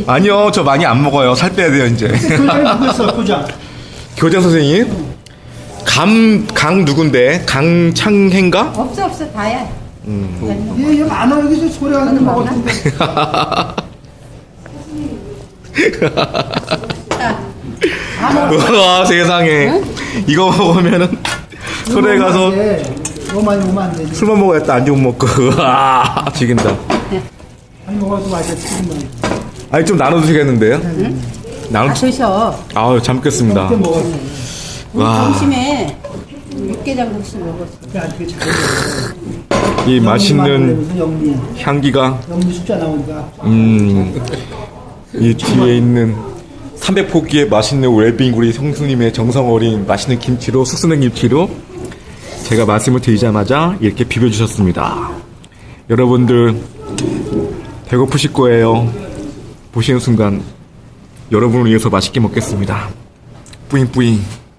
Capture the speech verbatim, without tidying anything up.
있지. 아니요, 저 많이 안 먹어요. 살 빼야 돼요, 이제. 교장이 누구였어, 교장? 교장 선생님? 감, 강 누군데? 강창행가? 없어 없어 다야. 음. 얘, 얘 많아, 여기서 소리가 좀 먹었는데. 와, 세상에. 이거 먹으면은 소래 가서 너무 많이 먹으면 안 되지. 술만 먹어야겠다. 안주 못 먹고. 아, 죽인다. 많이 먹어도 맛있지. 아니, 좀 나눠주시겠는데요? 나눠, 다 드셔. 아우, 잘 먹겠습니다. 그때 먹었어. 우리 와. 점심에 육개장국수 먹었어. 어떻게 잘해. 이 맛있는 무슨 영미. 향기가, 영미 숫자 나오니까. 음, 이 뒤에 있는 삼백 포기의 맛있는 웰빙구리 형수님의 정성 어린 맛있는 김치로, 숙성된 김치로 제가 말씀을 드리자마자 이렇게 비벼주셨습니다. 여러분들 배고프실 거예요. 보시는 순간 여러분을 위해서 맛있게 먹겠습니다. 뿌잉뿌잉.